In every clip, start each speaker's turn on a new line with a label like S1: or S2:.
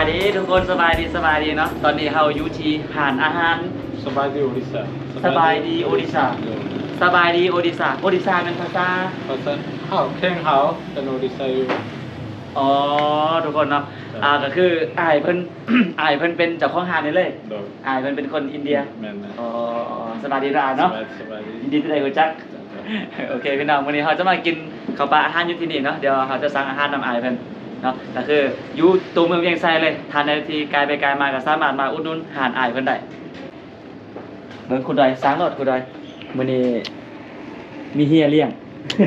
S1: ดีทุกคนสบายดีเนาะตอนนี้เราอยู่ที่หานอาหาร
S2: สบายดีโอดิสา
S1: สบายดีโอดิสาสบายดีโอดิสาเป็นภาษา
S2: ข้าวแข้งเขาเป็นโอดิสาอยู่
S1: อ๋อทุกคนเนาะก็คืออายเพิ่น อายเพิ่นเป็นเจ้าของหานนี่เลยอายเพิ่นเป็นคนอินเดีย
S2: แม่นนะ
S1: อ๋อสบายดีเนาะ
S2: สบายดี
S1: ยินดีที่ได้รู้จักโอเคพี่น้องวันนี้เราจะมากินข้าวปลาอาหารอยู่ที่นี่เนาะเดี๋ยวเราจะสั่งอาหารนำอายเพิ่นเนาะก็คืออยู่ตัวเมืองเวียงไซเลยทานในที่ไกลไปไกลมาก็สามารถมาอุดหนุนหานอายเพิ่นได้เบิ่งคุณดอยสร้างรถคุณดอยมื้อนี้มีเฮียเลี้ยง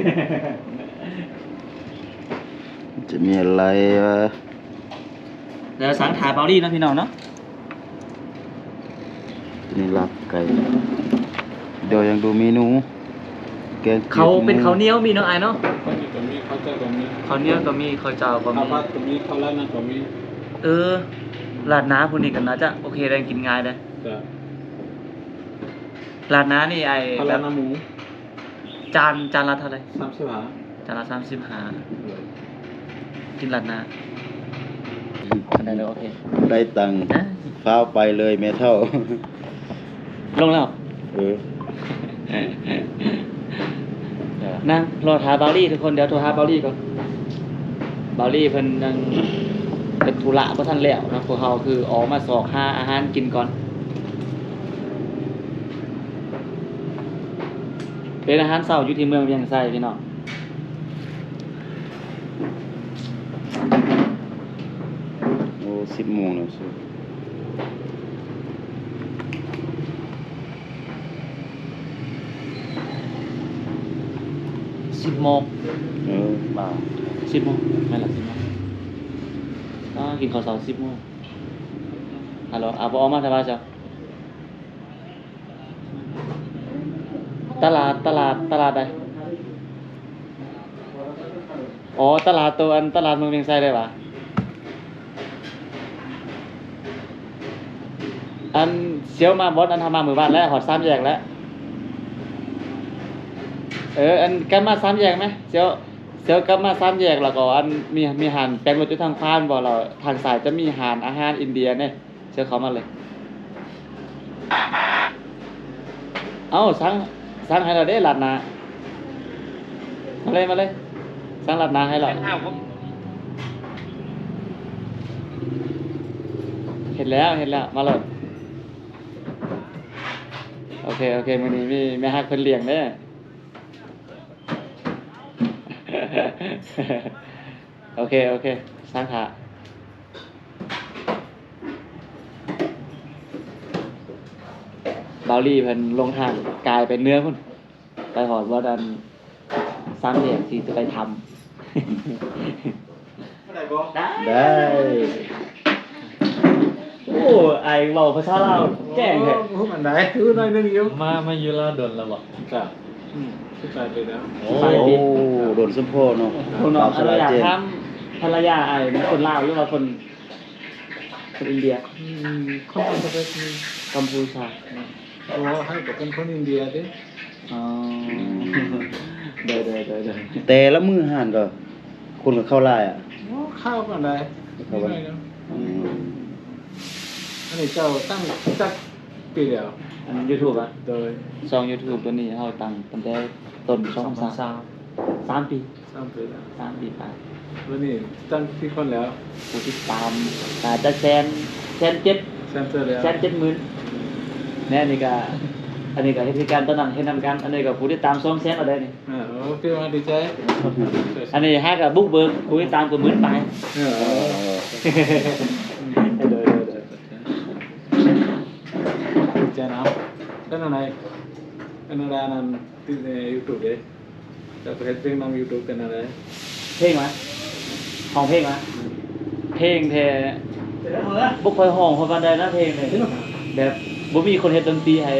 S3: จะมีอะไร
S1: เดี๋ยวสั่งถาเบาลี่นะพี่น้องเนาะ
S3: นี่ลาบไก่เดี๋ยวยังดูเมนูแกง
S1: เขาเป็นข้าวเหนียวมีเนาะอายเนาะ
S2: ข้าวเหนียวก็มีข้าวเจ้าก็มี
S1: ข้าวเหนียวก็มีข้าวเจ้าก็
S2: ข้าว
S1: มี
S2: ผัดก็มีข้าวราดหน้าก็มี
S1: ราดน้ำพวกนี้กันนะจะโอเคได้กินง่ายเลย
S2: จ้ะ
S1: ราดน้ำนี่ไอ้
S2: ข้าว
S1: แบ
S2: ราด
S1: บ
S2: หน้าหมู
S1: จานละเท่าไหร่
S2: 35
S1: จานละ35กินราดน้ำได้เลยโอเค
S3: ได้ตังค์ฟ้าวไปเลยแม่เท่า
S1: ลงแล้ว นั่งรอถาเบาลี่ทุกคนเดี๋ยวโทรหาเบาลี่ก่อนเบาลี่เพิ่นยังเป็นธุระบ่ทันแล้วนะพวกเฮาคือออกมาสอกหาอาหารกินก่อนเป็นอาหารเช้าอยู่ที่เมืองเวียงไซพี่น้อง
S3: โอ้10 โมงแล้วสิ
S1: 10 โมง
S3: บ่า
S1: 10 โมงไม่ล่ะ10 โมงกินข้าวเช้า10 โมงฮัลโหลบ่ออกมาแต่ว่าจ้ะตลาดใดอ๋อตลาดตัวอันตลาดเมืองเวียงไซได้ปะอันเสียวมาบดอันทำมาหมู่บ้านแล้วหอด3 แยกแล้วอันกลับมา3 แยกไหมเสียวกลับมา3 แยกแล้วก็อันมีหานแปลงรถอยู่ทางพานบ่เราทางสายจะมีหานอาหารอินเดียเนี่ยเสียวเขามาเลยเอ้าสั่งให้เราได้หลัดนามาเลยสั่งหลัดนาให้เราเห็นแล้วมาเลยโอเคมื้อนี้มีแม่ฮักเพิ่นเลี้ยงเด้อ โอเคสร้างขาเบาลี่เพิ่นลงทางกลายเป็นเนื้อพุ่นไปหอดว่าดัน3 แยกที่จะไปทำ
S3: ได้
S1: โอ้ไอเว้าภาษาลาวแจ้งแท้
S2: โอ้มันได้คือหน่อยนึงอยู่
S4: มาอยู่ลาวดนแล้วบ่
S2: จ้ะสิไปไปแล้ว
S3: โอ้โดนสมโพเนาะ
S1: คุณน้อง
S3: ส
S1: ภรร
S3: ลาย
S1: ยา
S3: เจน
S1: ทำภรรยาไอเป็นคนลาวหรือว่าคนอินเดีย
S2: คนประเทศนี้
S1: กัมพูชา
S2: โอ้ให้กับเป็นคนอินเดียดิ
S1: อ๋อเด้อ
S3: แต่ละมื้อห่านก็คนก็เข้าลายอ่ะ
S2: โอ้ข้าวกันได้
S3: เข้าไป อืม
S2: อันนี้เจ้าตั้งจักปีแล้ว
S1: อัน YouTube อ่ะ
S2: โดย
S1: ช่อง YouTube ตัวนี้เฮาตั้งตั้งแต่ต้นช่อง3 ปี
S2: 3 ปีแล้ว
S1: 3 ปีไป
S2: วันนี้ตั้งที่คนแล้ว
S1: ผู้ติดตามอาจจะแสน7
S2: เซนเตอร์แล้ว
S1: 170,000แน่นี่ก็อันนี้ก็เฮ็ดคือการตอนนั้นเฮ็ดนำกันอันนี้ก็ผู้ติดตาม200,000เอาได้นี่
S2: โอ้พี่ว่าดีใจ
S1: อันนี้ฮักก็บุกเบิกผู้ติดตามก็หมื่นไป
S2: เออ
S1: เด้อ
S2: ดีใจนะเป็นอะไรนั้นที่ใน YouTube เด้จะไปเฮ็ดเพลงนำ YouTube เป็นอะไร
S1: เพลงมาของเพลงมาเพลงแท้บ่ค่อยฮ้องเพราะปานใดนะเพลงนี่แบบบ่มีคนเฮ็ดดนตรีให้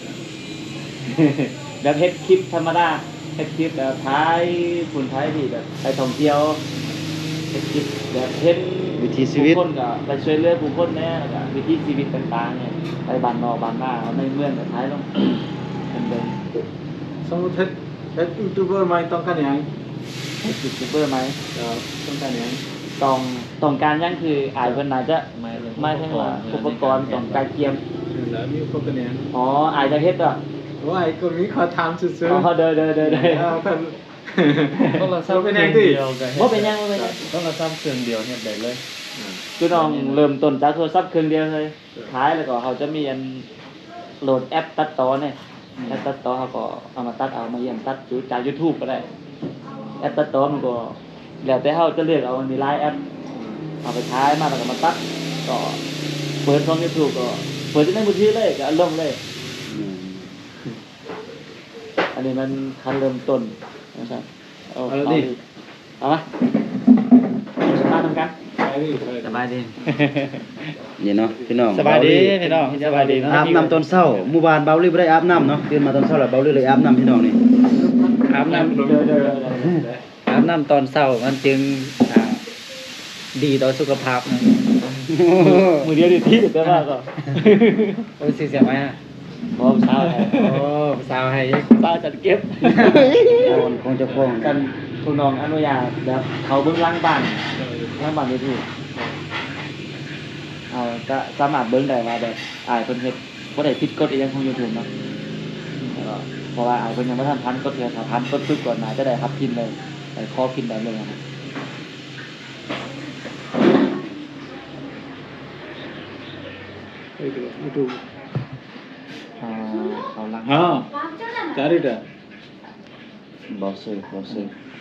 S1: แบบเฮ็ดคลิปธรรมดาเฮ็ดคลิปแบบท้ายคนท้ายที่แบบไปท่องเที่ยวเฮ็ดคลิปแบบเฮ็ด
S3: วิถีชีวิต
S1: ผู้คนก็ไปช่วยเหลือผู้คนแหน่แล้วก็วิถีชีวิตต่างๆเนี่ยไปบ้านนอกบ้านนาเอาในเมืองก็ท้ายลง เป็นเบิ่ง
S2: สมมุติเฮ็ดยูทูบเบอร์ใหม่ต้องการหยัง
S1: เฮ็ดยูทูบเบอร์ไหม
S2: ต้องการหยัง
S1: ตต้องการหยังคืออายเพิ่นน่าจะไม่ถึงว่าอุปกรณ์ต้องการเกียม
S2: แล้วมีพวกกันเนี่ย
S1: อ๋ออายจะเฮ็ดอ่ะ
S2: ว่าไอ้คนนี้เขาทำซื่อ
S1: อ๋อเด้อ
S2: เพิ่น
S4: ต้องละซ้ำ
S2: เป็น
S4: เค
S2: ยั
S4: รื่อง
S2: ง
S4: เดียวกัน
S1: บ่เป็นหยังบ่เป็นหยัง
S4: ต้องละซ้ำเครื่องเดียวเฮ็ดได้เลย
S1: คือน้องเริ่มต้นจากโทรศัพท์เครื่องเดียวเลยท้ายแล้วก็เขาจะมีอันโหลดแอปตัดต่อเนี่ยแอปตัดต่อเขาก็เอามาตัดเอามาเยี่ยมตัดจาก YouTube ก็ได้แอปตัดต่อมันก็แล้วแต่เขาจะเลือกเอามันมีหลายแอปเอาไปท้ายมาแล้วก็มาตัดก็เปิดช่อง YouTube ก็เปิดที่ในมือถือเลยก็ลงเลย อันนี้มันคันเริ่มต้นนะครับเอามาสบายทำกัน
S4: สบายดี
S3: นี่เนาะพี่น้อง
S1: สบายดีพี่น้องสบายดี
S3: อาบน้ำตอนเช้าหมู่บ้านเบาลี่บ่ได้อาบน้ำเนาะตื่นมาตอนเช้าแล้วเบาลี่เลยอาบน้ำพี่น้องนี่
S4: อาบน้ำ
S1: เดี๋ยว
S4: อาบน้ำตอนเช้ามันจึงดีต่อสุขภาพนะ
S1: มือเดียวดีที่แต่ว่าก็
S4: โอ้ยเสียไหมฮะ
S1: พร้อมเช้าแล้ว
S4: โอ้สาวให้ยัง
S1: ป้าจัดเก็บ
S3: คนคงจะฟ้อง
S1: กันคุณน้องอนุญาตแบบเขาเบื้องล่างบ้านนี่ที่ก็สามารถเบิ้งได้ว่าแบบอายคนเฮ็ดบ่ได้ผิดกฎอีหยังของ YouTube เนาะแล้วก็เพราะว่าอายเพิ่นยังบ่ทันพันกฎเลยถ้าพันกฎปึ๊บก่อนน่าจะได้รับพินเลยได้ขอพินได้เลยนะครับ
S2: YouTube
S1: เขาลัง
S2: हा चारिटा
S3: บ่ซื้อ
S1: ครับผม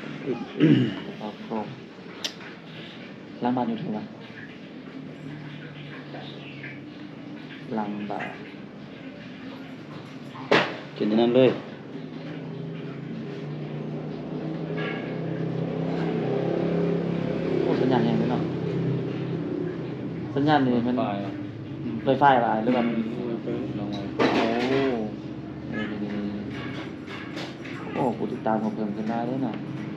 S1: ล้างบ้าน YouTube อ่ะล้างบ้าน
S3: กินอันนั้นเลย
S1: โอ้สัญญาณแรงไปเนาะสัญญาณนี่มันไฟฟ้าอะไรหรือว่าโอ้ผู้ติดตามของเพิ่มขึ้นมาด้วยเนาะ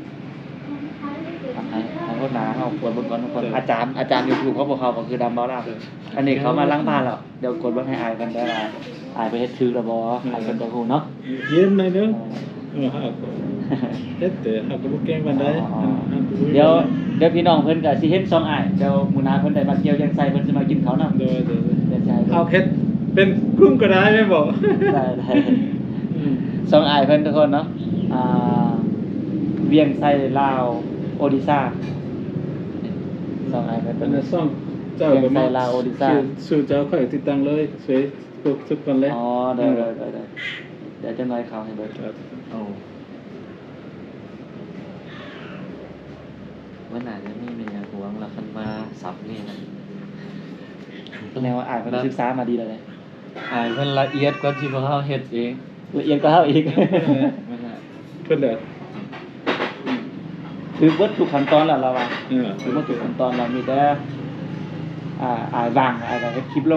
S1: ให้คนหนาเขากดเบิ่งก่อนทุกคนอาจารย์ YouTube เขาบอกเขาก็คือดำเบาล่าอันนี้เขามาล้างบ้านแล้วเดี๋ยวกดเบิ่งให้อายกันได้ล่ะอายไปเฮ็ดถือแล้วบ่อายเพิ่นก็ฮู้เนาะ
S2: Yen này nữa ha hết để ha có bút kem bàn đấy
S1: เดี๋ยวพี่น้องเพิ่นก็สิเห็น2อ้ายเดี๋ยวมื้อหน้าเพิ่นได้มาเที่ยวยังไสเพิ่นสิมากินข้าวนำ
S2: rồi
S1: เดี๋ยวสิให้เพิ่น
S2: เอาเพชรเป็นกุ้งก็ได้ไม่บอก
S1: ได้สองอ้ายเพิ่นทุกคนเนาะเวียงไส้ลาวโอดิซ่าสองอ้ายเพิ่น
S2: อันนั้นซ่องเจ้าก็มาสู่เจ้าค่อยติดตั้งเลยสวยทุกคนเลย
S1: อ๋อได้เดี๋ยวจะน้อยเขาให้เบิด
S4: โอ้วันไหนจะมีเมียหวงแล้วคันมาสับนี่นะ
S1: แนวอ้ายเพิ่นศึกษามาดีแล้วเลย
S4: อ่านเพิ่นละเอียดกว่าที่พวกเขาเฮ็ดเอง
S1: ละเอียดกว่าเฮาอีก
S2: เพื่อนเด้อ
S1: คือเบิดทุกขั้นตอนแล้วเราว่า
S2: อืม
S1: คือเบิดทุกขั้นตอนเรามีแต่อ้ายวางอ้ายก็เฮ็ดคลิปลง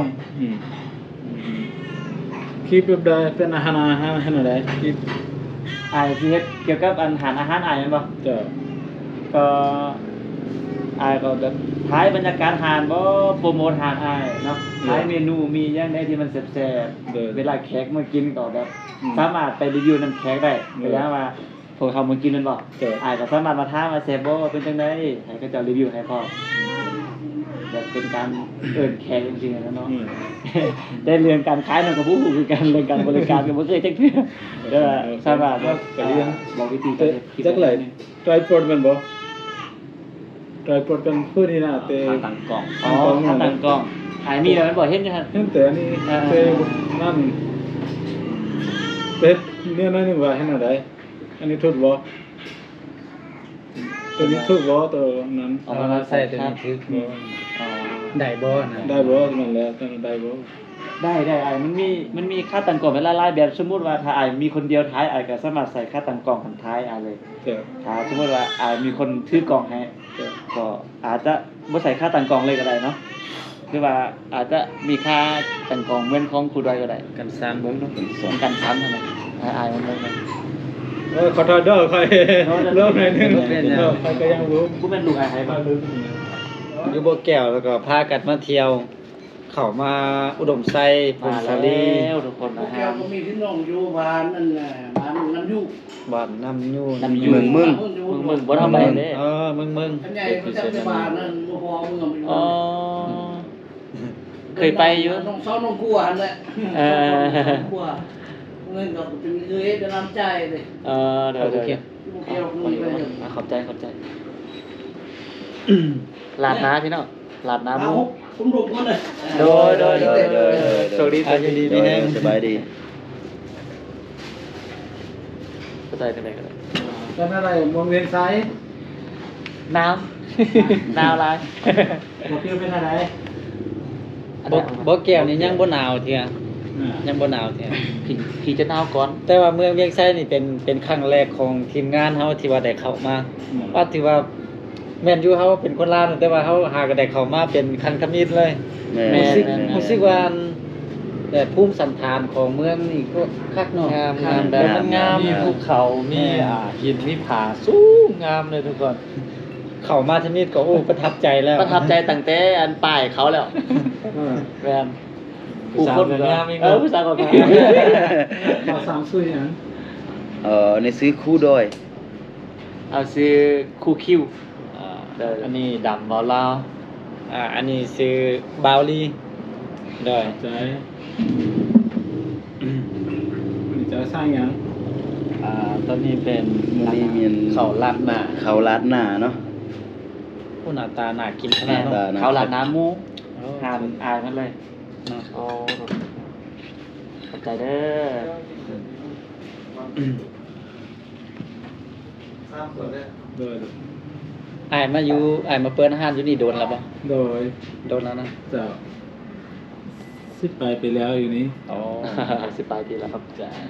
S2: คลิปแบบใดเป็นอาหารให้หน่อยได้คลิป
S1: อ้ายสิเฮ็ดเกี่ยวกับอาหารอ้ายแม่นบ่
S2: เจ้า
S1: ก็อายก็แบบท้ายบรรยากาศหานบ่โปรโมทหานอายเนาะท้ายเมนูมีอย่างใดที่มันแซ่บๆเวลาแขกมากินก็แบบสามารถไปรีวิวนํแขกได้เวลาว่าพวกเขามากินนั่นบ่อายก็สามารถมาถามว่าแซ่บบ่เป็นจังได๋ให้เขาเจ้ารีวิวให้พร้อมแบบเป็นการเอิ้นแขกจริงๆนะเนาะ ได้เรื่องการขายนั่นก็บ่ฮู้คือกันเรื่องการบริการก็บ่เคยจักเทื่อเด้อสามารถบอกวิธีการเฮ็ดคลิป
S2: จักไหลไตรปอดมันบ่ไตรปอดเป็นพื้นนี่นะแต่
S4: ขาตั้งกล่อง
S1: อ๋อถ้าตั้งกล้องอายมีแล้วมันบ่เห็นอยู่หั่น
S2: เห็นแต่อันนี้แต่นั่นเป็ดเนี่ยน้อยหนึงว่าให้หน่อยได้อันนี้ทุบบ่ตัวนี้ทุบบ่ตัวนั้น
S4: เอามาใส่ตัวนี้คือ
S1: อ๋อ
S4: ได้บ่นะ
S2: ได้บ่มันแล้วตัวนั้นได้บ่
S1: ได้อายมันมีค่าตั้งกล้องเป็นหลายๆแบบสมมุติว่าถ้าอายมีคนเดียวท้ายอายก็สามารถใส่ค่าตั้งกล้องหันท้ายอายเลย
S2: เจ้า
S1: ถ้าสมมุติว่าอายมีคนถือกล้องให้
S2: เจ้า
S1: ก็อาจจะบ่ใส่ค่าตั้งกล้องเลยก็ได้เนาะหรือว่าอาจจะมีค่าตั้งกล้องเหมือนของครูดอยก็ได้
S4: กันสร้างเบิ่งเนาะ
S1: สองกันซ้ำเท่านั้นอายมันเลยนะ
S2: ขอโทษเด้อค่อยเริ่มหน่อยนึงค่อยก็ยังรู้
S1: กูเป็นลูกอายให้
S2: มา
S1: มา
S2: ลืม
S4: อยู่บ่แก้วแล้วก็พากันมาเที่ยว เข้ามาอุดมไซพง
S1: มา
S4: ศา
S1: แล้
S4: ลี
S1: วทุกคนนะ
S5: แก้
S1: ฮะ
S5: วก็มีพี่น้องอยู่บ้านนั่นแหละบ้านน้ำยุ
S4: บ้านน้ำยู
S1: น้ำยู
S3: เมืองมึง
S1: มึงบ่ทำอะไรเด้
S4: เออเมือง
S5: อันใหญ่ประจำจังหวัดนั่นบ่พอเมืองมัน
S1: อ๋อเคยไปอยู่
S5: น้องซ้อนน้องกลัวอันแหละ
S1: เออ
S5: กลัวเงินก็เป็นเอ้ยจะน้ำใจเลย
S1: เดี๋ยว
S4: โอเค
S5: บ่เกี่ยวกับเงินไปเลย
S1: ขอบใจลาดน้าพี่น้องลาดน้า
S5: เอา
S1: บุ
S5: ผมรุปก่อนเลย
S1: โดยโชคดี
S4: อายุดีมีแฮง
S3: สบายดี
S1: เข้าใจกันได้กันเลย
S2: เป็นอะไรมองเวียนซ้าย
S1: น้ำหนาวหลาย
S2: บ่คิวเป็นอะไร
S4: บ่แก้วนี่ยังบ่หนาวเที่ย
S2: อ่า
S4: ยังบ่หนาวเที่ย
S1: พี่จะหนาวก่อน
S4: แต่ว่าเมืองเวียงไซนี่เป็นครั้งแรกของทีมงานเฮาที่ว่าได้เข้ามาว่าถือว่าแม่นอยู่เฮาเป็นคนลาวแต่ว่าเฮาหาก็ได้เข้ามาเป็นครั้งทมิตรเลย
S3: แม่
S4: รู้สึกว่าแต่ภูมิสันฐานของเมืองนี่ก็คักเนาะ
S1: งาม
S4: แบบมันงาม
S2: มีภูเขามีหินมีผาสูงงามเลยทุกคน
S4: เข้ามาทมิตรก็โอ้ประทับใจแล้ว
S1: ประทับใจตั้งแต่อันป้ายเขาแล้วแมน
S2: ผู้สาวก็งามอีก
S1: ผู้สาวก็งาม
S2: เขาสามซุยหยัง
S3: ในซื้อคู่ดอย
S1: เอาซื้อคูคิว
S2: อันนี้ดำบ่ลาว
S4: อันนี้ชื่อบาวลีได้
S2: ใจมันจะสร้างหยัง
S6: ตอนนี้เป็น
S3: มื้อนี้มีอัน
S6: เขาลัดหน้า
S3: เขาลาดหน้าเนาะ
S4: ผู้หน้าตาน่ากินข
S1: แม่
S4: นาด
S1: น
S4: เนาะ
S1: เขาหลาดน้ำหมู
S4: โอ้
S1: หานอายมันเลย
S4: เนาะ
S1: โอ้ขอบใจเด้อ
S2: โดย
S4: อ้ายมาเปิดอาหารอยู่นี่โดนแล้วบ่
S2: โดย
S4: โดนแล้วนะ
S2: เจ้า10 ไปแล้วอยู่นี้
S4: อ๋อ
S1: สิบปลายปีแล้วครับ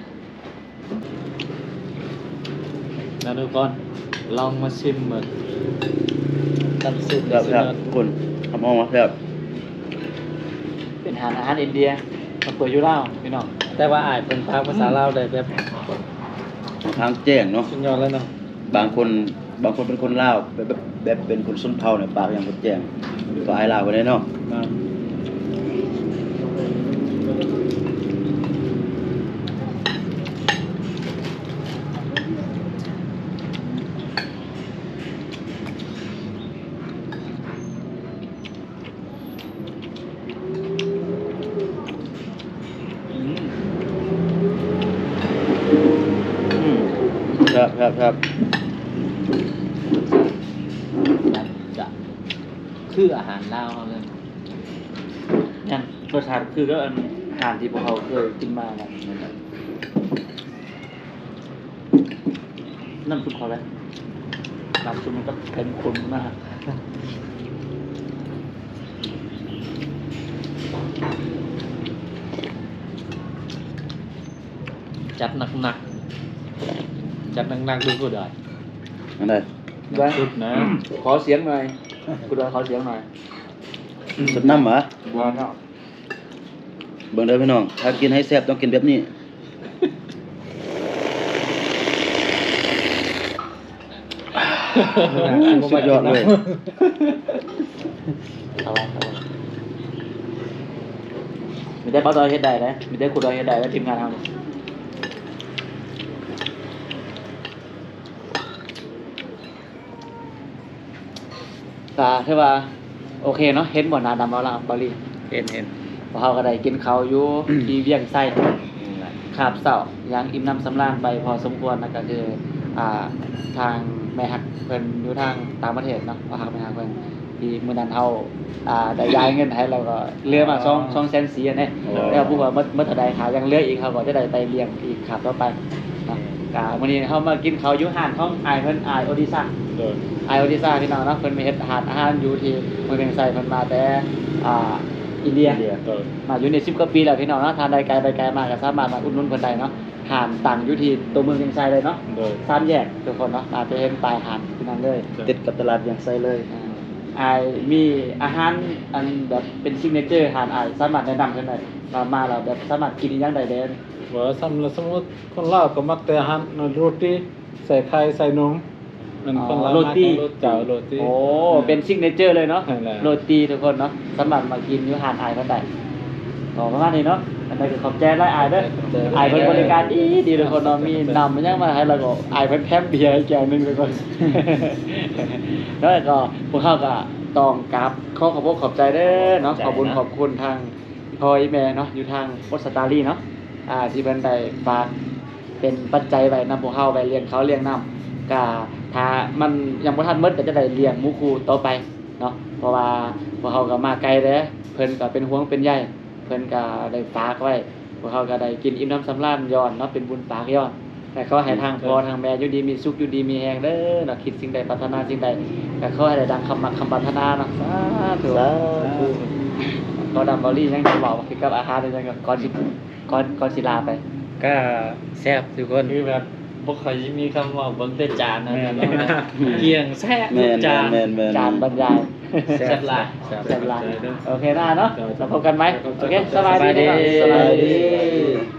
S6: นะทุกคนลองมาชิมเหมือน
S4: น้ำซุป
S3: ครับคุณทำออกมาครับ
S1: เป็นอาหารอินเดียมาเปิดอยู่แล้วพี่น้อง
S4: แต่ว่าอ้ายเพิ่นพากภาษาลาวได้แบบ
S3: ทางแจ้งเนาะ
S4: สุดยอดแล้วเนาะ
S3: บางคนเป็นคนลาวแบบเป็นคนชนเผ่าเนี่ยปากอย่างคนแจ้งก็อายลาวกันได้เนาะ ครับ
S6: จะคืออาหารลาวเขาเลย
S1: ยังรสชาติคือก็อาหารที่พวกเขาเคยกินมาแหละน้ำซุปเขาเลยน้ำซุปมันก็เป็นข้นมาก
S6: จัดหนักๆจัดหนักๆดูก็ได้
S3: อันใด
S6: สุดนะ
S1: ขอเสียงหน่อยกูดอยขอเสียงหน่อย
S3: สดน้ำเหรอ
S1: บัวเนาะ
S3: เบิ่งเด้อพี่น้องถ้ากินให้แซ่บต้องกินแบบนี้ สุดยอดเลย
S1: เอาไว้มีได้ป้าดอยเฮ็ดได้นะมีได้กูดอยเฮ็ดได้แล้วทีมงานทำคือว่าโอเคเนาะเห็นบ่หน้าดำเอาละบาลี
S4: เห็น
S1: พอเขาก็ได้กินข้าวอยู่ ที่เวียงไส้คาบเสายังอิ่มน้ำสำราญไปพอสมควรนะก็คือทางแม่ฮักเพิ่นอยู่ทางต่างประเทศเนาะว่าฮักแม่ฮักเพิ่นที่มื้อนั้นเฮาได้ย้ายเงินให้เราก็เหลือมา2แสน4อันนี้แล้วผู้ว่าเมื่อเท่าใดหายังเหลืออีกเขาก็จะได้ไปเลี้ยงอีกครับต่อไปเนาะก็มื้อนี้เฮามากินข้าวอยู่ห้านของอายเพิ่นอายโอดิซ่า
S2: โดย
S1: ไอโอดิซ่าพี่น้องเนาะเพิ่นมีเฮ็ดอาหารอยู่ที่เมืองเวียงไสเพิ่นมาแต่อินเดีย
S2: โดย
S1: มาอยู่ใน10กว่าปีแล้วพี่น้องเนาะทานได้ไกลไปไกลมาก็สามารถมาอุดหนุนเพิ่นได้เนาะหานตั้งอยู่ที่ตัวเมืองเวียงไสเลยเนาะ
S2: โดย
S1: สามแยกทุกคนเนาะมาไปเห็นปลายหานที่นั่นเลย
S3: ติดกับตลาดอย่างไซเลย
S1: ไอมีอาหารอันแบบเป็นซิกเนเจอร์หานไอสามารถแนะนำเพิ่นได้มาแล้วแบบสามารถกินอีหยังได้เด้
S2: ว่าสมมุติคนลาวก็มักแต่อาหารโรตีใส่ไข่ใส่นมมันคนลาว
S1: โรตี
S2: เจ้าโรตี
S1: โอ้เป็นซิกเนเจอร์เลยเนาะ
S2: ใช่แล้ว
S1: โรตีทุกคนเนาะสามารถมากินอยู่หานไอเพิ่นได้ประมาณนี้เนาะ
S2: โ
S1: อันนั้นก็ขอบใจหลายอายเด้ออายเพิ่นบริการดีทุกคนเนาะมีนำมันยังมาให้เราก็อายเพิ่นแถมเบียร์ให้แก้วหนึงทุกคน แล้วก็พวกเขาก็ต้องกราบขอขอบคุณขอบใจเด้อเนาะขอบคุณขอบคุณทางพ่อแม่เนาะอยู่ทางโอสตาลีเนาะที่เพิ่นได้ฝากเป็นปัจจัยไว้นำพวกเขาไปเลี้ยงเขาเลี้ยงน้ำก็ถ้ามันยังบ่ทันหมดก็จะได้เลี้ยงหมู่คู่ต่อไปเนาะเพราะว่าพวกเขาก็มาไกลเด้อเพิ่นก็เป็นห่วงเป็นใยเพิ่นก็ได้ฝากไว้พวกเขาก็ได้กินอิ่มน้ำสำราญย้อนเนาะเป็นบุญปากย้อนแต่ขอให้ทางพ่อทางแม่อยู่ดีมีสุขอยู่ดีมีแฮงเด้อเนาะคิดสิ่งใดปรารถนาสิ่งใดก็ขอให้ได้ดังคำมักคำปรารถนาเนาะสาธุก็ดำบอลลี่ยังจะบอกว่าคือกับอาหารเลยจังก็ก่อนสิลาไป
S4: ก็แซ่บทุกคน
S6: คือแบบบ่ค่อยสิมีคำว่าเบิ่งแต่จานนะเกี่ยงแซ่บทุ
S3: แม่
S6: ก
S3: น
S6: จาน
S3: แม่นแม่น
S1: จานบรรยาย
S6: แซ่บหลาย
S1: แซ่บหลายโอเคนะเนาะเราพบกันไหมโอเคสบายดี
S4: สบายดี
S1: สบายดี